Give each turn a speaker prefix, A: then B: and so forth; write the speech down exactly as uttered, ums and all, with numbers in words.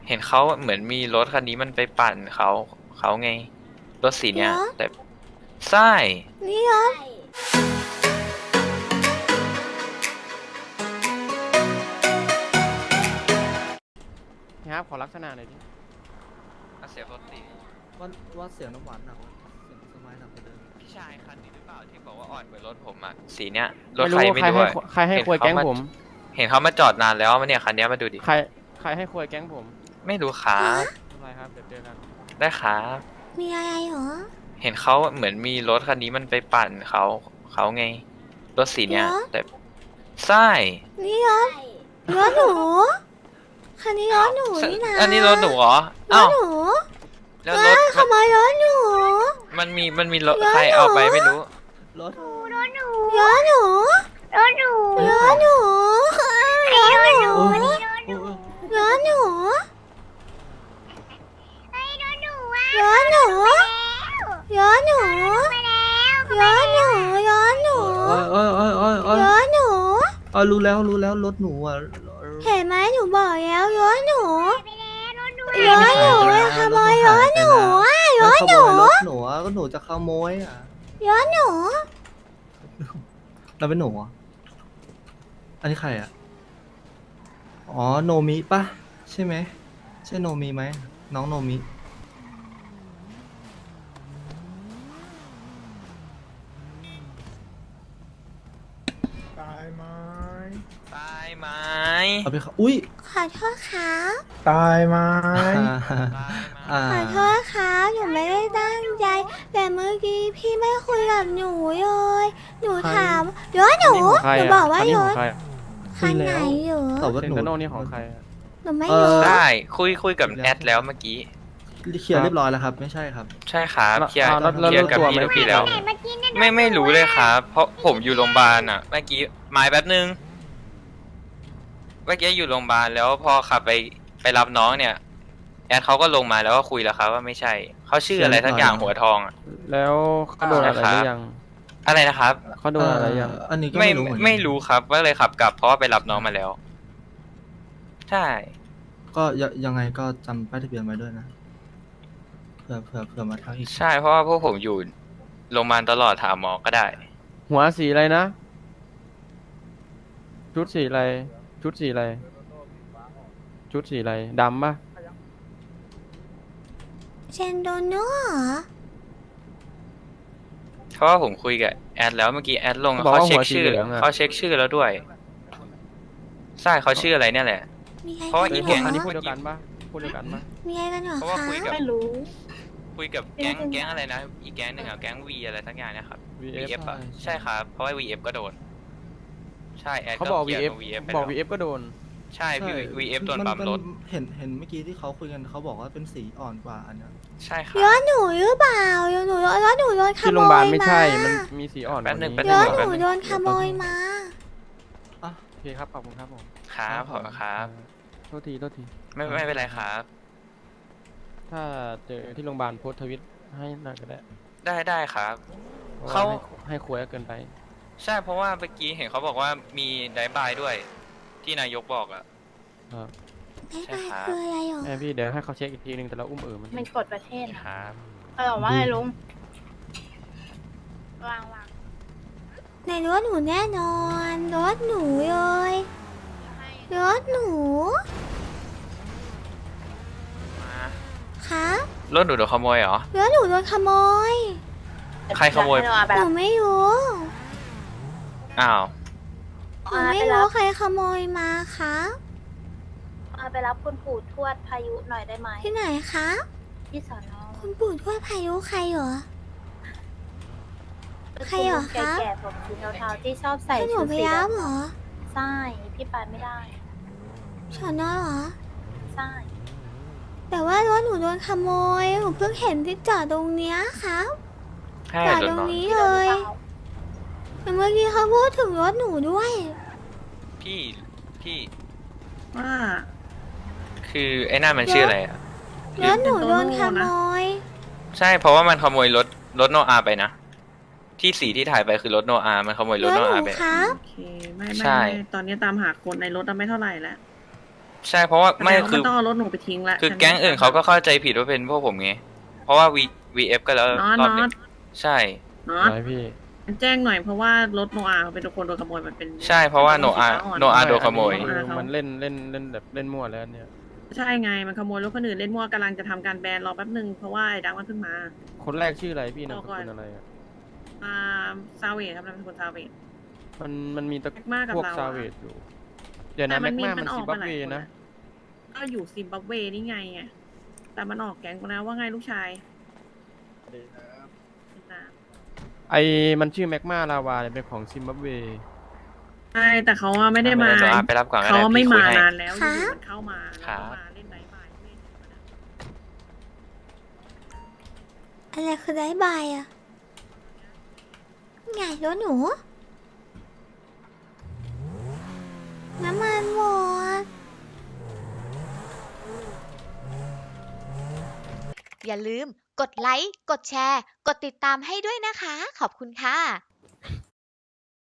A: เห็นเขาเหมือนมีรถคันนี้มันไปปั่นเขาเขาไงรถสีเนี้ย
B: เหรอ
A: แต่ใช่
B: นี่เหรอ
C: ครับขอลักษณะหน่อยดิ
A: เสียงรถตี
D: ว่าว่าเสียงน้ำหวานหนักวะเสียงสมัยหนักกว่าเดิม
A: พี่ชายคันนี้หรือเปล่าที่บอกว่าอ่อนกว่ารถผมอ่ะสีเนี้ยรถ
C: ไม่
A: ใคร
C: รู้
A: ไม่
C: ใคร
A: รู้
C: ให้
A: อะ
C: ใครให้ควยแก๊งผม
A: เห็นเขามาจอดนานแล้วมาเนี่ยคันนี้มาดูดิ
C: ใครใครให้ควยแก๊งผม
A: ไม่รู้ครับ
C: อะไรครับเดี๋ยวเจอกัน
A: ได้ครับ
B: มีอะไรเหรอ
A: เห็นเขาเหมือนมีรถคันนี้มันไปปั่นเขาเขาไงรถสีเนี้ย
B: เหรอ
A: แต่ใช่
B: นี่เหรอรถหนูคันนี้รถหนูนี่นะ
A: อันนี้รถหนูเหรอ
B: ร
A: อ้า
B: ถ
A: ว
B: หนู
A: แล้ว
B: เฮ้
A: รถ
B: ยขโมยรถหนู
A: มันมีมันมีรถ
B: รถ
A: ใคร
B: หนู
A: เอาไปไม่รู้
D: รถ
B: รถหนูรถหนูรถหนูรถหนูรถหนู
D: โอ้ยโอ้ย
B: รถหนูรถหนูรถหนูรถหนูรถหนูรถหนู
D: โอ้ยโอ้ยโอ้ยโอ้ยโอ้ย
B: รถหนู
D: อ๋อรู้แล้วรู้แล้วรถหนูอ่ะ
B: เห็นไหมหนูบอกแล้วรถหนูรถหนู
D: ไม่ใช่
B: เลยขโมยรถหนูอ่ะร
D: แล้ว
B: ถ
D: ข
B: ห
D: โม
B: นู
D: ยรถหนูอ่ะก็หนูจะขโมยอ่ะ
B: รถหนู
D: เราเป็นหนูอ่ะอันนี้ใครอ่ะอ๋อโนมิปะใช่ไหมใช่โนมิไหมน้องโนมิ
E: ตายไหม
A: ตายไหม
D: เอาไปเขาอุ้ย
B: ขอโทษครับ
E: ตายไหม
D: อ่า
B: ขอโทษครับหนูไม่ได้ตั้งใจ แต่เมื่อกี้พี่ไม่คุยกับหนูเลยหนูถามรถหนู
C: ของใคร
B: หนู
C: อะ
B: บอกว่า
C: คันนี้
B: ร
C: ของ
B: ถ
C: ใคร
B: คันไหนอยู่
D: ตอบว่า
C: เซน
D: หนู
C: โตโน่นี่ของใครอะ
B: หนูไม่
D: เอ่อ
B: รู้
A: ได้คุยคุยกับแอดแล้วเมื่อกี้
D: เคลียร์เรียบร้อยแล้วครับ ไม่ใช่ครับ
A: ใช่ครับเคลียร์
C: อ่าแล้วแล้ว
A: เคลียร์กับ
C: รู้ตัว
A: พี่
C: ไหม
A: ลูกพี่แล้ว ไม่ไม่รู้เลยครับ เพราะผมอยู่โรงพยาบาลอ่ะ เมื่อกี้หมายแป๊บนึง เมื่อกี้อยู่โรงพยาบาลแล้วพอขับไปไปรับน้องเนี่ย แอดเขาก็ลงมาแล้วก็คุยแล้วครับว่าไม่ใช่ เขาชื่ออะไรทั้งอย่างหัวทองอะ
C: แล้วเขาโดนอะไรหรือยัง
A: อะไรนะครับ
C: เขาโดนอะไรยัง
D: เอันนี้ก็
A: ไม่
D: ไม่รู้เหมือนกัน
A: ไม่รู้ครับว่าเลยขับกลับเพราะว่าไปรับน้องมาแล้ว ใช่
D: ก็ยยังไงก็จำป้ายทะเบียนไว้ด้วยนะเผื่อเผื่อเผื่อมาทักอีก
A: ใช่เพราะว่าพวกผมอยู่โรงพยาบาลตลอดถามหมอก็ได้
C: หัวสีอะไรนะ ชุดสีอะไร ชุดสีอะไร ชุดสีอะไรดำปะ
B: เชนโดโน่เหรอ
A: เพราะว่าผมคุยกับแอดแล้วเมื่อกี้แอดลง
C: บอก
A: เขา
C: ว่า
A: เช็
C: หั
A: คว
C: สี
A: ชื่อ
C: เหลืองอะ
A: เขาเช็คชื่อแล้วด้วย ใช่เขาชื่ออะไรเนี่ยแหละ
B: มีอะไร
A: เพราะว่า
B: กัน
A: อี
B: เห
A: แก๊
B: รง
C: อันนี้
B: อ
C: พูดเดียวกันปะพูดเดียวกันปะ
B: มีอะไรกันเหรอ
A: เพราะว่า
B: คะ
A: คุยกับ
F: ไม่รู้
A: คุยกับแก๊งแก๊งอะไรนะ อีกแก๊งหนึ่งอะแก๊งวีอะไรทั้งอย่างเนะครับ
C: วี
A: วี
C: เอ
A: เอ
C: ฟ
A: ฟอะใช่ครับ เพราะว่าวีเอฟก็โดน ใช่แอด
C: เขาบอก
A: เคลี
C: วี
A: ยร์
C: เอฟ
A: กับ วีเอฟไป
C: บอก
A: แล้ว
C: วีเอฟก็โดน
A: ใช่วีเอฟโดน
D: มั
A: ปั๊มรถ
D: นเห็นเห็นเมื่อกี้ที่เขาคุยกันเขาบอกว่าเป็นสีอ่อนกว่าอันเนี้ย
A: ใช่ครั
B: ร
A: บ
B: ถหนูหรือเปล่ารถหนูรถหนูโดนข
C: ที่
B: โม
C: โรงพยาบาล
B: ย
C: ไม่
B: มา
C: ใช่ มันมีสีอ่อนก
A: แป๊บ
C: ว่า
A: นึง
C: นี้
A: แป๊บ
B: ร
A: นึง
B: ถหนูโดนขโมยมา
C: โอเคครับ ขอบคุณครับผม
A: ครับขอบคุณครับ
C: โทษที โทษที
A: ไม่ไม่เป็นไรครับ
C: ถ้าเจอที่โรงพยาบาลโพสต์ทวิตให้หน่อยก็ได้
A: ได้ได้ครับ
C: พระว่
A: เขา
C: ให้ให้ควยเกินไป
A: ใช่เพราะว่าเมื่อกี้เห็นเขาบอกว่ามีไดบายด้วย ที่นายกบอกอะ
C: ครับ
B: ไม่
A: ใช่
B: ไป
A: ครับ
B: คืออะไรหรอ
C: แม่พี่เดี๋ยวให้เขาเช็คอีกทีนึงแต่เราอุ้มเอ๋อมัน
F: มันกดประเทศ
A: ค
F: อะ
A: รับ
F: เขาบอกว่าไงลุง วางวาง
B: ในรถหนูแน่นอนรถหนูเลยรถหนู
A: มา
B: ครับ
A: รถหนูโดนขโมยเหรอ
B: รถหนูโดนขโมย
A: ใครขโมย
F: ให้เราเอาไป
B: ห
F: รั
B: นู
F: บ
B: ไม่รู้
A: อ้าว
B: หนูไม่รู้ใครขโมยมาครับ
F: เอาไปรับคุณปู่ทวดพายุหน่อยได้ไหม
B: ที่ไหนครับ
F: ที่สอนอ
B: คุณปู่ทวดพายุใครเหรอ ใครเหรอคะ
F: แก่ๆผมสีเทาๆที่ชอบใส่
B: ให้หนู
F: ชุด
B: ไป
F: สี
B: รับ
F: ดำ
B: เหรอ
F: ใช่พี่ไปไม่ได้
B: สอนอเหรอ
F: ใช่
B: แต่ว่ารถหนูโดนขโมยหนูเพิ่งเห็นที่จอดตรงเนี้ยครับ
A: ให้
B: จอด
A: รถ
B: ตรง
A: น้อง
B: นี้
F: พี่
B: เล
F: โดนหรื
B: ย
F: อเปล่า
B: แต่เมื่อกี้เขาพูดถึงรถหนูด้วย
A: พี่ พี่
G: ว่า
A: คือไอ้นั่นมันชื่ออะไรอะ
B: รถหนูโดนขโมย
A: ใช่เพราะว่ามันขโมยรถรถโนอาไปนะ ที่สีที่ถ่ายไปคือรถโนอามันขโมยร
B: ร
A: ถ
B: ถ
A: โน
B: หนู
A: อาไป
B: ครับ
G: โอเคไม่ไม่
A: ใช่
G: ไม่ตอนนี้ตามหาคนในรถอะไม่เท่าไหร่แล้ว
A: ใช่เพราะว่าไม่
G: แสดงว่า
A: คือ
G: มันต้องเอารถหนูไปทิ้งละ
A: คือ
G: ฉัน
A: แก๊งอื่นเขาก็เข้าใจผิดว่าเป็นพวกผมไงเพราะว่า V VF ก็แล้ว
G: น็อต
A: รอบ
G: น็
A: หนึ
G: อง ต
A: ใช่
G: น็อ
C: อะ
G: ต
C: ไรพี่
G: มันแจ้งหน่อยเพราะว่ารถโนอาเป็นคนโดนขโมยมันเป็น
A: ใช่เพราะว่าโนอาโนอาโดนขโมย
C: อันนี้คือมันเล่นเล่นเล่นแบบเล่นมั่วแล้วเนี่ย
G: ใช่ไงมันขโมยรถคนอื่นเล่นมั่วกำลังจะทำการแบนรอแป๊บนึงเพราะว่าไอ้ดังมันเพิ่งมา
C: คนแรกชื่ออะไรพี่นาม
G: บ
C: ส
G: อกก่อน
C: กุลอะไรอ่ะ
G: อ่าซาเวทครับนามสกุลซาเวท
C: มันมันมีตะ
G: แม็กมากับ
C: พวก
G: เราอะ
C: ซาเวดอยู่ เดี๋ยวนะ
G: แต่มั
C: แม็
G: น
C: ก
G: มี
C: มา
G: มั
C: มัน
G: นอ
C: ซิ
G: อก
C: บั
G: มา
C: บ
G: หลาย
C: เว
G: คน
C: นะ
G: อะ ก็อยู่ซิมบับเวนี่ไงไงแต่มันออกแก๊งไปแล้วว่าไงลูกชายนะ
C: ไอมันชื่อแม็กมาลาวาเนี่ยเป็นของซิมบับเว
G: ใช่แต่เขาอะไม่ได้มา
A: โนอาไปรับก่อนก็
G: เขา
A: ได้
G: ไม่
A: พี่คุย
G: มา
A: ให้
G: นานแล้วอ
B: ครับ
G: ยู่ๆมันเข้ามาแล้ว
A: ครั
G: ก็
A: บ
G: มาเล่นไบายบายเล่นธรรมดา
B: อะไรคือได้บายอะไงรถหนู น้ำมันหมด
H: อย่าลืมกดไลค์ กดแชร์ กดติดตามให้ด้วยนะคะ ขอบคุณค่ะ